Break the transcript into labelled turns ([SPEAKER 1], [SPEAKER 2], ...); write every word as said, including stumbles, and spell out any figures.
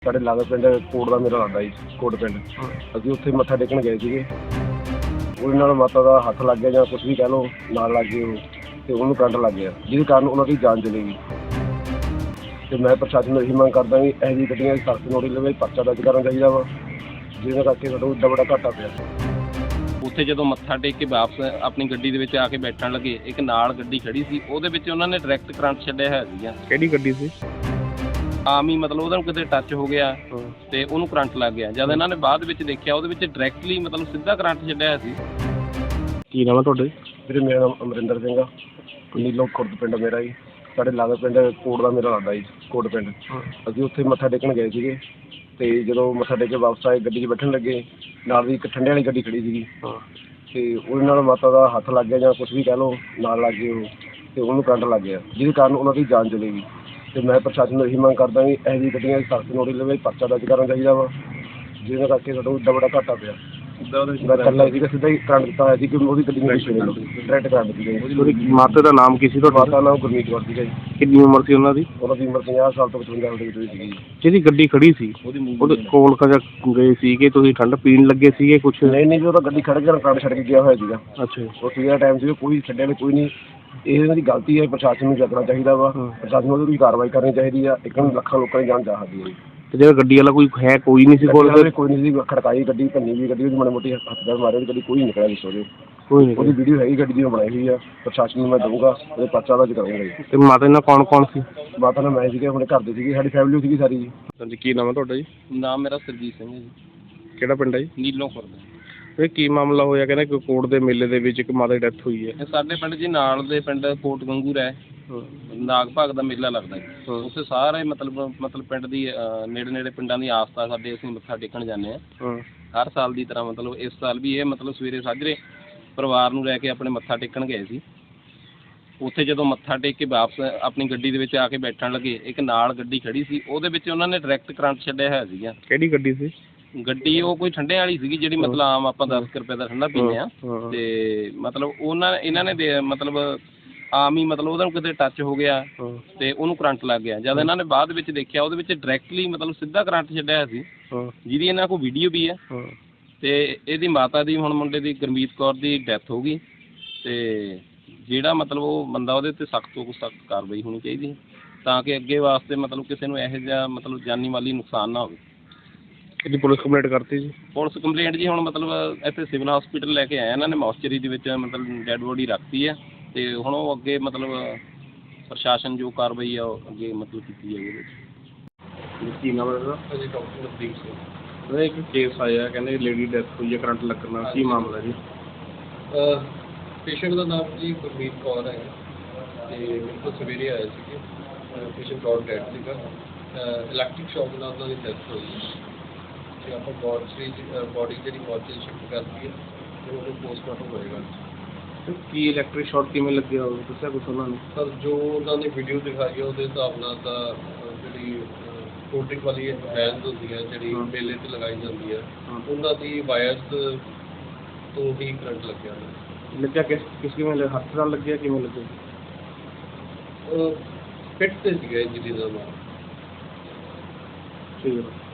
[SPEAKER 1] ਸਾਡੇ ਲਾਗੇ ਪਿੰਡ ਕੋਟ ਦਾ ਮੇਰਾ ਲੱਗਦਾ ਜੀ, ਕੋਟ ਪਿੰਡ। ਅਸੀਂ ਉੱਥੇ ਮੱਥਾ ਟੇਕਣ ਗਏ ਸੀਗੇ। ਉਹਦੇ ਨਾਲ ਮਾਤਾ ਦਾ ਹੱਥ ਲੱਗ ਗਿਆ ਜਾਂ ਕੁਛ ਵੀ ਕਹਿ ਲਓ, ਨਾਲ ਲੱਗ ਗਏ ਉਹ ਅਤੇ ਉਹਨੂੰ ਕਰੰਟ ਲੱਗ ਗਿਆ, ਜਿਹਦੇ ਕਾਰਨ ਉਹਨਾਂ ਦੀ ਜਾਨ ਚਲੀ ਗਈ। ਅਤੇ ਮੈਂ ਪ੍ਰਸ਼ਾਸਨ ਨੂੰ ਇਹੀ ਮੰਗ ਕਰਦਾ ਵੀ ਇਹੋ ਜਿਹੀ ਗੱਡੀਆਂ ਦੀ ਸਖਤ ਨੋਟਿਸ ਲਵੇ, ਪਰਚਾ ਦਰਜ ਕਰਨਾ ਚਾਹੀਦਾ ਵਾ, ਜਿਹਦੇ ਕਰਕੇ ਸਾਡਾ ਇੱਡਾ ਵੱਡਾ ਘਾਟਾ ਪਿਆ।
[SPEAKER 2] ਉੱਥੇ ਜਦੋਂ ਮੱਥਾ ਟੇਕ ਕੇ ਵਾਪਸ ਆਪਣੀ ਗੱਡੀ ਦੇ ਵਿੱਚ ਆ ਕੇ ਬੈਠਣ ਲੱਗੇ, ਇੱਕ ਨਾਲ ਗੱਡੀ ਖੜੀ ਸੀ, ਉਹਦੇ ਵਿੱਚ ਉਹਨਾਂ ਨੇ ਡਾਇਰੈਕਟ ਕਰੰਟ ਛੱਡਿਆ ਹੋਇਆ ਸੀਗਾ।
[SPEAKER 3] ਕਿਹੜੀ ਗੱਡੀ ਸੀ?
[SPEAKER 2] ਆਮ ਹੀ ਮਤਲਬ ਉਹਦਾ ਕਿਤੇ ਟੱਚ ਹੋ ਗਿਆ ਤੇ ਉਹਨੂੰ ਕਰੰਟ ਲੱਗ ਗਿਆ। ਜਦ ਇਹਨਾਂ ਨੇ ਬਾਅਦ ਵਿੱਚ ਦੇਖਿਆ, ਉਹਦੇ ਵਿੱਚ ਡਾਇਰੈਕਟਲੀ ਮਤਲਬ ਸਿੱਧਾ ਕਰੰਟ ਛੱਡਿਆ ਹੋਇਆ ਸੀ।
[SPEAKER 3] ਕੀ ਨਾਮ ਹੈ ਤੁਹਾਡੇ?
[SPEAKER 1] ਵੀਰੇ ਮੇਰਾ ਨਾਮ ਅਮਰਿੰਦਰ ਸਿੰਘ ਆ, ਨੀਲੋ ਖੁਰਦ ਪਿੰਡ ਮੇਰਾ ਜੀ। ਸਾਡੇ ਲਾਗੇ ਪਿੰਡ ਕੋਟ ਦਾ ਮੇਰਾ ਲੱਗਦਾ ਜੀ, ਕੋਟ ਪਿੰਡ। ਅਸੀਂ ਉੱਥੇ ਮੱਥਾ ਟੇਕਣ ਗਏ ਸੀਗੇ ਅਤੇ ਜਦੋਂ ਮੱਥਾ ਟੇਕ ਕੇ ਵਾਪਸ ਆਏ, ਗੱਡੀ 'ਚ ਬੈਠਣ ਲੱਗੇ, ਨਾਲ ਦੀ ਇੱਕ ਠੰਡੇ ਵਾਲੀ ਗੱਡੀ ਖੜੀ ਸੀਗੀ ਅਤੇ ਉਹਦੇ ਨਾਲ ਮਾਤਾ ਦਾ ਹੱਥ ਲੱਗ ਗਿਆ ਜਾਂ ਕੁਛ ਵੀ ਕਹਿ ਲਓ, ਨਾਲ ਲੱਗ ਗਏ ਉਹ ਅਤੇ ਉਹਨੂੰ ਕਰੰਟ ਲੱਗ ਗਿਆ, ਜਿਹਦੇ ਕਾਰਨ ਉਹਨਾਂ ਦੀ ਜਾਨ ਚਲੀ ਗਈ। ਅਤੇ ਮੈਂ ਪ੍ਰਸ਼ਾਸਨ ਨੂੰ ਇਹੀ ਮੰਗ ਕਰਦਾ ਵੀ ਇਹੋ ਜਿਹੀ ਗੱਡੀਆਂ ਦੀ ਸਖਤ ਨੋਟਿਸ ਲਵੇ, ਪਰਚਾ ਦਰਜ ਕਰਨਾ ਚਾਹੀਦਾ ਵਾ, ਜਿਹਦੇ ਕਰਕੇ ਸਾਡਾ ਇੱਡਾ ਵੱਡਾ ਘਾਟਾ ਪਿਆ। ਮੈਂ ਇਕੱਲਾ ਸੀਗਾ, ਸਿੱਧਾ ਹੀ ਕਰੰਟ ਦਿੱਤਾ ਹੋਇਆ ਸੀ ਕਿ ਉਹਦੀ ਗੱਡੀ ਨੂੰ ਡਾਇਰੈਕਟ ਕਰੰਟ ਸੀਗਾ ਜੀ।
[SPEAKER 3] ਉਹਦੀ ਮਾਤਾ ਦਾ ਨਾਮ ਕੀ ਸੀ ਤੁਹਾਡਾ?
[SPEAKER 1] ਮਾਤਾ ਨਾਮ ਗੁਰਮੀਤ ਕੌਰ ਸੀਗਾ ਜੀ।
[SPEAKER 3] ਕਿੰਨੀ ਉਮਰ ਸੀ ਉਹਨਾਂ ਦੀ?
[SPEAKER 1] ਉਹਨਾਂ ਦੀ ਉਮਰ ਪੰਜਾਹ ਸਾਲ ਤੋਂ ਪਚਵੰਜਾ ਸਾਲ ਦੇ ਵਿੱਚ ਸੀਗੀ ਜੀ।
[SPEAKER 3] ਜਿਹਦੀ ਗੱਡੀ ਖੜੀ ਸੀ ਉਹਦੇ ਕੋਲ ਕਜਾ ਗਏ ਸੀ ਕਿ ਤੁਸੀਂ ਠੰਡ ਪੀਣ ਲੱਗੇ ਸੀਗੇ ਕੁਛ?
[SPEAKER 1] ਨਹੀਂ ਨਹੀਂ ਜੀ, ਉਹ ਤਾਂ ਗੱਡੀ ਖੜ੍ਹ ਕੇ ਕਰੰਟ ਛੱਡ ਕੇ ਗਿਆ ਹੋਇਆ ਸੀਗਾ।
[SPEAKER 3] ਅੱਛਾ।
[SPEAKER 1] ਉਹ ਸੀਗਾ ਟਾਈਮ ਸੀ, ਕੋਈ ਛੱਡਿਆ ਨਹੀਂ, ਕੋਈ ਨਹੀਂ। ਇਹ ਇਹਨਾਂ ਦੀ ਗਲਤੀ ਹੈ, ਪ੍ਰਸ਼ਾਸਨ ਨੂੰ ਚੱਕਣਾ ਚਾਹੀਦਾ ਵਾ, ਪ੍ਰਸ਼ਾਸਨ ਨੂੰ ਉਹਦੀ ਕਾਰਵਾਈ ਕਰਨੀ ਚਾਹੀਦੀ ਆ। ਇੱਕ ਨੂੰ ਲੱਖਾਂ ਲੋਕਾਂ ਦੀ ਜਾਨ ਜਾ ਸਕਦੀ ਹੈ ਜੀ।
[SPEAKER 3] ਤੇ ਜਿਹੜਾ ਗੱਡੀ ਵਾਲਾ ਕੋਈ ਹੈ ਕੋਈ ਨਹੀਂ ਸੀ ਕੋਲ?
[SPEAKER 1] ਕੋਈ ਨਹੀਂ ਸੀ, ਖੜਕਾਈ ਗੱਡੀ, ਭੰਨੀ ਵੀ ਗੱਡੀ, ਉਹਦੀ ਮਾੜੀ ਮੋਟੀ ਹੱਥ ਦਾ ਮਾਰੇ, ਗੱਡੀ ਕੋਈ ਨਿਕਲਿਆ ਵਿੱਚ ਉਹਦੇ।
[SPEAKER 3] ਕੋਈ ਨਹੀਂ।
[SPEAKER 1] ਉਹਦੀ ਵੀਡੀਓ ਹੈਗੀ ਗੱਡੀ ਦੀ, ਬਣਾਈ ਹੋਈ ਆ। ਪ੍ਰਸ਼ਾਸਨ ਨੂੰ ਮੈਂ ਦਊਂਗਾ, ਉਹਦੇ ਪਰਚਾ ਦਰਜ ਕਰਾਂਗਾ ਜੀ।
[SPEAKER 3] ਤੇ ਮਾਤਾ ਨਾਲ ਕੌਣ ਕੌਣ ਸੀ?
[SPEAKER 1] ਮਾਤਾ ਨਾਲ ਮੈਂ ਸੀਗੇ, ਆਪਣੇ ਘਰ ਦੇ ਸੀਗੇ, ਸਾਡੀ ਫੈਮਿਲੀ ਸੀਗੀ ਸਾਰੀ ਜੀ।
[SPEAKER 3] ਹਾਂਜੀ, ਕੀ ਨਾਮ ਹੈ ਤੁਹਾਡਾ ਜੀ?
[SPEAKER 2] ਨਾਮ ਮੇਰਾ ਸਰਜੀਤ ਸਿੰਘ ਹੈ ਜੀ।
[SPEAKER 3] ਕਿਹੜਾ ਪਿੰਡ ਹੈ ਜੀ?
[SPEAKER 2] ਨੀਲੋਂ ਖੁਰਦ।
[SPEAKER 3] ਇਹ ਕੀ ਮਾਮਲਾ ਹੋਇਆ? ਕਹਿੰਦੇ ਕਿ ਕੋਟ ਦੇ ਮੇਲੇ ਦੇ ਵਿੱਚ ਇੱਕ ਮਾਤਾ ਦੀ ਡੈਥ ਹੋਈ ਹੈ।
[SPEAKER 2] ਇਹ ਸਾਡੇ ਪਿੰਡ ਜੀ ਨਾਲ ਦੇ ਪਿੰਡ ਕੋਟ ਗੰਗੂਰ ਹੈ, ਨਾਗ ਭਾਗ ਦਾ ਮੇਲਾ ਲੱਗਦਾ ਜੀ। ਉੱਥੇ ਸਾਰੇ ਮਤਲਬ ਮਤਲਬ ਪਿੰਡ ਦੀ ਨੇੜੇ ਨੇੜੇ ਪਿੰਡਾਂ ਦੀ ਆਸਥਾ ਸਾਡੇ, ਅਸੀਂ ਮੱਥਾ ਟੇਕਣ ਜਾਂਦੇ ਹਾਂ ਹਰ ਸਾਲ ਦੀ ਤਰ੍ਹਾਂ। ਮਤਲਬ ਇਸ ਸਾਲ ਵੀ ਇਹ ਮਤਲਬ ਸਵੇਰੇ ਸਾਜਰੇ ਪਰਿਵਾਰ ਨੂੰ ਲੈ ਕੇ ਆਪਣੇ ਮੱਥਾ ਟੇਕਣ ਗਏ ਸੀ। ਉੱਥੇ ਜਦੋਂ ਮੱਥਾ ਟੇਕ ਕੇ ਵਾਪਸ ਆਪਣੀ ਗੱਡੀ ਦੇ ਵਿੱਚ ਆ ਕੇ ਬੈਠਣ ਲੱਗੇ, ਇੱਕ ਨਾਲ ਗੱਡੀ ਖੜੀ ਸੀ, ਉਹਦੇ ਵਿੱਚ ਉਹਨਾਂ ਨੇ ਡਾਇਰੈਕਟ ਕਰੰਟ ਛੱਡਿਆ ਹੋਇਆ ਸੀਗਾ।
[SPEAKER 3] ਕਿਹੜੀ ਗੱਡੀ ਸੀ?
[SPEAKER 2] ਗੱਡੀ ਉਹ ਕੋਈ ਠੰਡੇ ਵਾਲੀ ਸੀਗੀ, ਜਿਹੜੀ ਮਤਲਬ ਆਮ ਆਪਾਂ ਦਸ ਕੁ ਰੁਪਏ ਦਾ ਠੰਡਾ ਪੀਂਦੇ ਹਾਂ। ਅਤੇ ਮਤਲਬ ਉਹਨਾਂ ਇਹਨਾਂ ਨੇ ਦੇ ਮਤਲਬ ਆਮ ਹੀ ਮਤਲਬ ਉਹਦਾ ਕਿਤੇ ਟੱਚ ਹੋ ਗਿਆ ਅਤੇ ਉਹਨੂੰ ਕਰੰਟ ਲੱਗ ਗਿਆ। ਜਦ ਇਹਨਾਂ ਨੇ ਬਾਅਦ ਵਿੱਚ ਦੇਖਿਆ, ਉਹਦੇ ਵਿੱਚ ਡਾਇਰੈਕਟਲੀ ਮਤਲਬ ਸਿੱਧਾ ਕਰੰਟ ਛੱਡਿਆ ਹੋਇਆ ਸੀ, ਜਿਹਦੀ ਇਹਨਾਂ ਕੋਲ ਵੀਡੀਓ ਵੀ ਹੈ। ਅਤੇ ਇਹਦੀ ਮਾਤਾ ਦੀ, ਹੁਣ ਮੁੰਡੇ ਦੀ ਗੁਰਮੀਤ ਕੌਰ ਦੀ ਡੈਥ ਹੋ ਗਈ। ਅਤੇ ਜਿਹੜਾ ਮਤਲਬ ਉਹ ਬੰਦਾ, ਉਹਦੇ 'ਤੇ ਸਖਤ ਤੋਂ ਸਖਤ ਕਾਰਵਾਈ ਹੋਣੀ ਚਾਹੀਦੀ, ਤਾਂ ਕਿ ਅੱਗੇ ਵਾਸਤੇ ਮਤਲਬ ਕਿਸੇ ਨੂੰ ਇਹੋ ਜਿਹਾ ਮਤਲਬ ਜਾਨੀ ਮਾਲੀ ਨੁਕਸਾਨ ਨਾ ਹੋਵੇ।
[SPEAKER 3] ਇਹਦੀ ਪੁਲਿਸ ਕੰਪਲੇਂਟ ਕਰਤੀ ਜੀ? ਪੁਲਿਸ
[SPEAKER 2] ਕੰਪਲੇਂਟ ਜੀ ਹੁਣ ਮਤਲਬ ਇੱਥੇ ਸਿਵਲ ਹਸਪੀਟਲ ਲੈ ਕੇ ਆਏ ਇਹਨਾਂ ਨੇ, ਮੌਸਚਰੀ ਦੇ ਵਿੱਚ ਮਤਲਬ ਡੈਡ ਬੋਡੀ ਰੱਖਤੀ ਹੈ। ਅਤੇ ਹੁਣ ਉਹ ਅੱਗੇ ਮਤਲਬ ਪ੍ਰਸ਼ਾਸਨ ਜੋ ਕਾਰਵਾਈ ਆ ਉਹ ਅੱਗੇ ਮਤਲਬ ਕੀਤੀ ਜਾਏਗੀ ਇਹਦੇ ਵਿੱਚ।
[SPEAKER 3] ਕੀ ਨਾਮ ਹੈ ਇਹਦਾ?
[SPEAKER 2] ਹਾਂਜੀ, ਡਾਕਟਰ ਨਵਦੀਪ ਸਿੰਘ।
[SPEAKER 3] ਇੱਕ ਕੇਸ ਆਇਆ, ਕਹਿੰਦੇ ਲੇਡੀ ਡੈਥ ਹੋਈ ਹੈ ਕਰੰਟ ਲੱਗਣ ਨਾਲ, ਕੀ ਮਾਮਲਾ ਜੀ?
[SPEAKER 4] ਪੇਸ਼ੈਂਟ ਦਾ ਨਾਮ ਜੀ ਗੁਰਮੀਤ ਕੌਰ ਹੈ ਅਤੇ ਮੇਰੇ ਕੋਲ ਸਵੇਰੇ ਆਏ ਸੀਗੇ। ਪੇਸ਼ੈਂਟ ਕੌਰ ਡੈਡ ਸੀਗਾ, ਇਲੈਕਟ੍ਰਿਕ ਸ਼ੌਕ ਨਾਲ ਉਹਨਾਂ ਦੀ ਡੈਥ ਹੋਈ। ਅਤੇ ਆਪਾਂ ਬੋਡੀ ਬੋਡੀ ਜਿਹੜੀ ਮੋਰਚੇ ਸ਼ਿਫਟ ਕਰਤੀ ਹੈ ਅਤੇ ਉਹਨੂੰ ਪੋਸਟਮਾਰਟਮ ਹੋਏਗਾ।
[SPEAKER 3] ਕੀ ਇਲੈਕਟ੍ਰਿਕ ਸ਼ਾਰਟ ਕਿਵੇਂ ਲੱਗਿਆ ਹੋਵੇ, ਦੱਸਿਆ ਕੁਛ ਉਹਨਾਂ ਨੇ?
[SPEAKER 4] ਸਰ ਜੋ ਉਹਨਾਂ ਨੇ ਵੀਡੀਓ ਦਿਖਾਈ ਹੈ, ਉਹਦੇ ਹਿਸਾਬ ਨਾਲ ਤਾਂ ਜਿਹੜੀ ਕੋਲਡ ਡਰਿੰਕ ਵਾਲੀ ਵੈਨਸ ਹੁੰਦੀਆਂ, ਜਿਹੜੀ ਮੇਲੇ 'ਤੇ ਲਗਾਈ ਜਾਂਦੀ ਹੈ, ਉਹਨਾਂ ਦੀ ਵਾਇਰਸ ਤੋਂ ਹੀ ਕਰੰਟ ਲੱਗਿਆ ਹੋਇਆ।
[SPEAKER 3] ਲੱਗਿਆ ਕਿਸ ਕਿਸ ਕਿਵੇਂ ਹੱਥ ਨਾਲ ਲੱਗਿਆ, ਕਿਵੇਂ ਲੱਗਿਆ?
[SPEAKER 4] ਫਿੱਟ 'ਤੇ ਸੀਗਾ ਇੰਜਰੀ ਦਾ ਨਾਮ।
[SPEAKER 3] ਠੀਕ ਹੈ।